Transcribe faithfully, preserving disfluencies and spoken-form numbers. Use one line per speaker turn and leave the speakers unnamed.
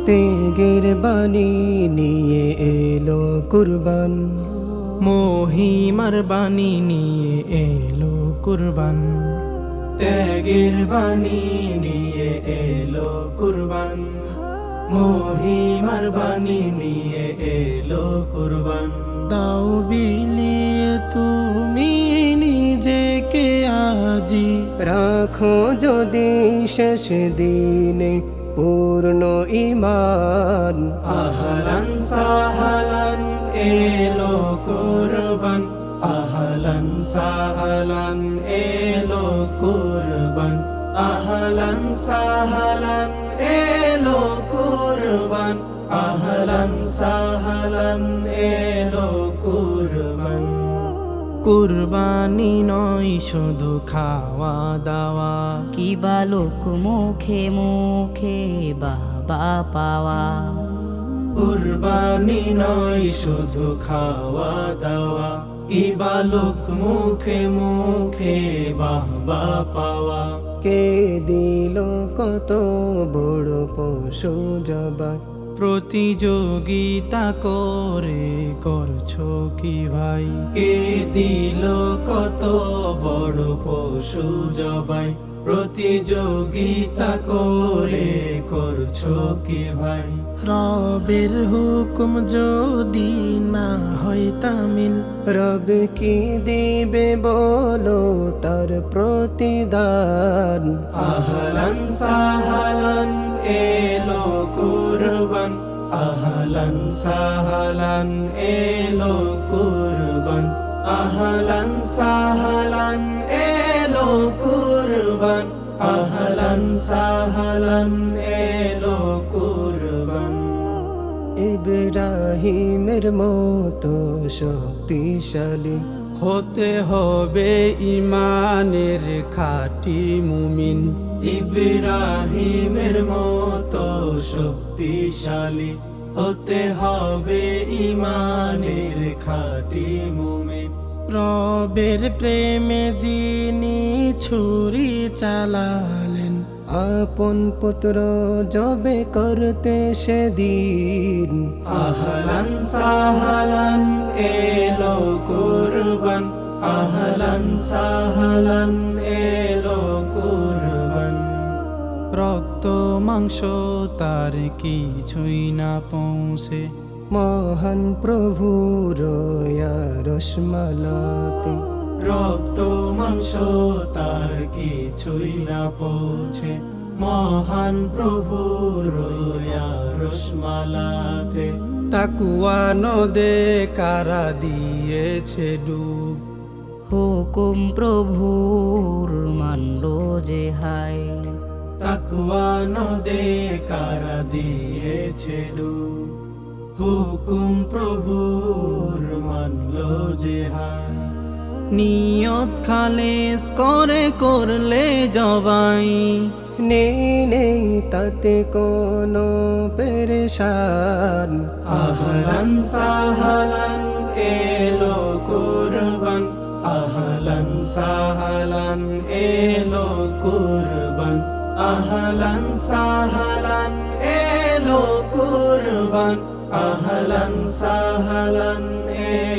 তেগের বাণী নিয়ে এলো কুরবান,
মহিমার বাণী নিয়ে এলো কুরবান।
ত্যাগের বাণী নিয়ে এলো কুরবান, মহিমার বাণী নিয়ে এলো কুরবান।
দাও বিলিয়ে তুমি নিজেকে আজি,
রাখো যদি শেষ দিনে পূর্ণ ঈমান। আহলান সাহলান এলো কুরবান, আহলান সাহলান এলো কুরবান, আহলান সাহলান এলো কুরবান, আহলান সাহলান এলো কুরবান।
কুরবানি নয় শুধু খাওয়া দাওয়া,
কি বালক মুখে মুখে বাবা পাওয়া।
কুরবানি নয় শুধু খাওয়া দাওয়া, ইবালক মুখে মুখে বাহবা পাওয়া। কে দিল কত বড় পশু জবাই,
প্রতিযোগিতা করে করছো কি ভাই।
কে দিল কত বড় পশু জবাই, প্রতিযোগিতা করে করছো কি ভাই।
রবের হুকুম যদি না হয় তামিল,
রব কি দিবে বলো তার প্রতিদান। আহলান সাহলান এলো কুরবান, আহলান সাহলান এলো কুরবান, আহলান সাহলান এলো কুরবান, আহলান সাহলান এলো কুরবান। ইব্রাহিমের মতো শক্তিশালী
হতে হবে ইমানের খাঁটি মুমিন।
ইব্রাহিমের মতো শক্তিশালী হতে হবে ইমানের খাঁটি মুমিন।
রবের প্রেমে যিনি ছুরি চালালেন,
আপন পুত্র জবে করতে সেদিন। আহলান সাহলান এলো কুরবান, আহলান সাহলান এলো কুরবান।
রক্ত মাংস তার কিছুই না পৌঁছে,
মহান প্রভুর রসমালাতে। রক্ত মাংস তার কিছুই না পৌঁছে, মহান প্রভুর রসমালাতে।
তাকুয়া নদে কারা দিয়েছে ডুব,
হুকুম প্রভুর মানল যে হায়।
তাকওয়া নদে কারা দিয়েছে ডুব, হুকুম প্রভুর মানল যে হায়।
নিয়ত খালেস করে করলে জবাই,
নেই নেই তাতে কোনো পেরেশান। আহলান সাহলান এলো কুরবান, আহলান সাহলান এলো কুরবান, আহলান সাহলান এলো কুরবান, আহলান সাহলান এলো